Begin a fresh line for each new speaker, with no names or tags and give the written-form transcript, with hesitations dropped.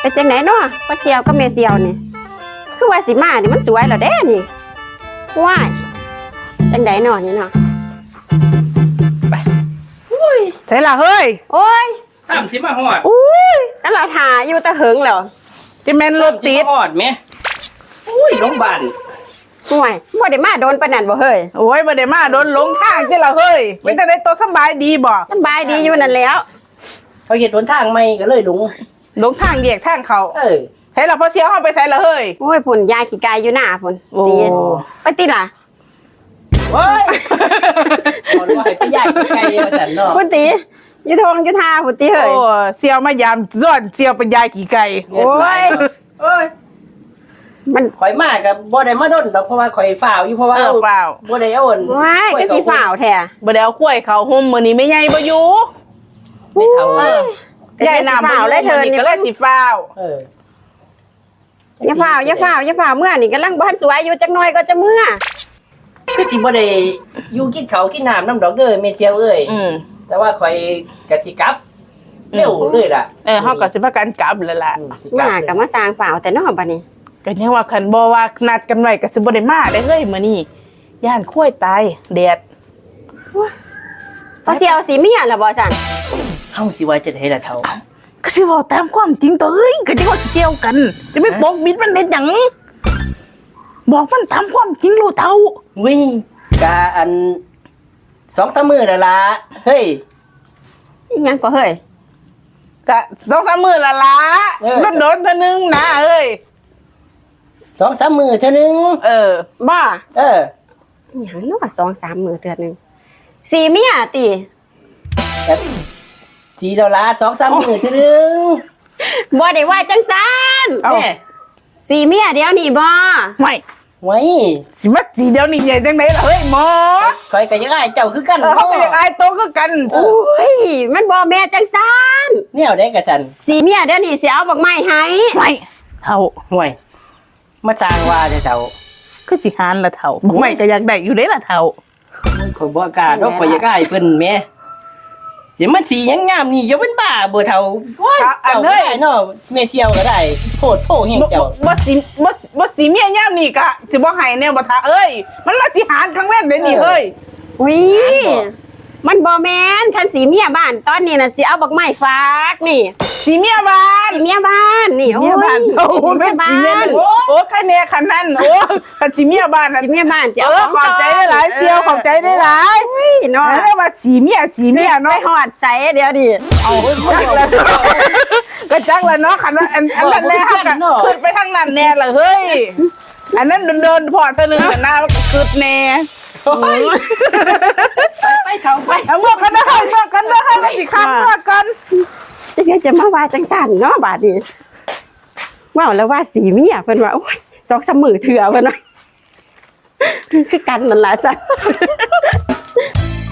เป็นจังไหนเนาะป้าเสียวกับแม่เสียวนี่คือว่าสิมานี่มันสวยแล้วเด้นี่ว้ายจังไหนเนาะนี่เนาะไป
ใช่ล่ะเฮ้ย
โอ้ย
30มาฮอด
อุ้ยกันเราถ่าอยู่ตะเหิงแล้ว
จะแม่นรถติด
ฮอดแม่อุ้ยโรงพยาบาล
ห่วยบ่ได้มาโดนปานนั้นบ่เฮ้ย
โอ้ยบ่ได้มาโดนหลงทางที่ล่ะเฮ้ยเป็นจังได๋ตัวสบายดีบ่
สบายดีอยู่นั่นแล้ว
เขาเฮ็ดหนทางใหม่ก็เลยหลง
ทางแยกทางเขาใช่ล่ะพอเสียวเฮาไปใส่ล่ะเฮ้ย
โอ้ยพุ่นยายขี้กายอยู่หน้าพุ่นตีไปติล่ะ
โอ้ยบ่รู้ให้ไปยายไกลว่าซั่นเนาะ
พุ่นตีอยู่ทงอยู่ทาพุ่นตีเฮ้ย
โอ้เสียวมายามซ้อนเสียวเป็นยายกี่ไก่
โอ้ยมัน
ข่อยมาก็บ่ได้มาดนดอกเพราะว่าข่อยฝ้าวอยู่เพราะว่า
ฝ้าว
บ่ได้เอาอ่อน
ว้ายก็สิฝ้าวแท้
บ่ได้เอาข้วยเขาห่มมื้อนี้แม่ใหญ่บ่อยู่
ไม่เท่า
ใหญ่น้ำฝ้าวแล้วเธอนี่
ก็เลยสิฝ้าว
อย่าฝ้าวเมื่อนี่กำลังบ้านสวยอยู่จักหน่อยก็จะเมื่อ
คือสิบ่ได้อยู่กินข้าวกินน้ำน้ำดอกเด้อแม่เชียวเอ้ยแต่ว่าข่อยก็สิกลับเร็วเลยล่ะ
เฮาก็สิพากันกลับแล้วล่ะ
มาก็มาสร้างฝ้าวแต่เนาะบัดนี้
ก็ยังว่าคันบ่ว่านัดกันไว้ก็สิบ่ได้มาได้เฮ้ยมื้อนี้ย่านข้วยตายแดด
พอสิเอาสีเมียล่ะบ่ซั่น
เฮาสิว่าจะได้ล่ะเฒ่า
ก็สิเว้าตามความจริงตัวเอ้ยก็จังว่าสิเสี่ยวกันจะไม่ปกปิดมันเฮ็ดหยังบอกมันตามความจริงโลดเฒ่า
วิกะอัน 2-3 มื้อแล้วล่ะเฮ้ย
อีหยังก็เฮ้ย
ก็2-3 มื้อละล่ะโดนๆเทื่อนึงนะเอ้ย
2-3 มื้อเทื่อนึง
บ้าอีหยังเนาะ2-3 มื้อเทื่อนึงสีเมียติ
สีดอลลาร์ 2-3 มื้อเทื่อนึง
บ่ได้ว่าจังซั่น
แม่
สีเมียเดี๋ยวนี้บ่
ไว้
สิมาสีเดี๋ยวนี้ใหญ่จังได๋ล่ะเฮ้ยหมอ
ข่อยก็ยังอายเจ้าคือกัน
เฮาก็ยังอายโตคือกัน
โอ้ยมันบ่แม่จังซั่น
แนวใดกะซั่น
สีเมียเดี๋ยวนี้สิเอาบักไม้ให้
เฒ่า
ห่วยมาสร้างว่าเฒ่า
คือสิหานละเฒ่าบักไม้ก็อยากได้อยู่เด้ล่ะเฒ่า
ข่อยบ่กล้าดอกข่อยอยากอายเพิ่นแม่เดี๋ยวมันสียังงามนี่อย่าเป็นบ้าบ่เฒ่าโอ้ยเจ้าได้เนาะแม่เสี่ยวก็ได้โพดโพแห่งเจ้า
บ่สิเมียยามนี้ก็สิบ่ให้แนวบ่ทาเอ้ยมันมาสิหานกลางเว้นเด้นี่เฮ้ย
อุ้ยมันบ่แม่นคันสีเมียบ้านตอนนี้น่ะสิเอาบักไม้ฝากนี่
สีเมียบ้าน
นี่โอ้ย
โอ้แม่บ้านโอ้คันแน่คันนั้นโอ้คันสีเมียบ้าน
สีเมียบ้านจะเอา
ขอบใจได้หลายเสี่ยวขอบใจได้หลาย
อุ้ยเนาะ
เรียกว่าสีเมียเนาะ
ไปฮอดใสเดี๋ยวดิ
เอาจักแล้วก็จักแล้วเนาะคันว่าอันนั้นแน่ฮักก็ขึ้นไปทางนั้นแน่ล่ะเฮ้ยอันนั้นเดินพอเท่านึงหน้าคึดแน่
ไปเฒ่าไป
เอาเมื่อกันนะเมื่อกันนะสิคันเมื่อกัน
จะมาว่าจังซั่นเนาะบาดนี้ว่าแล้วว่าสีเมียเพิ่นว่าโอ้ย2-3 มื้อเถื่อเพิ่นว่าคือกันนั่นล่ะจ้ะ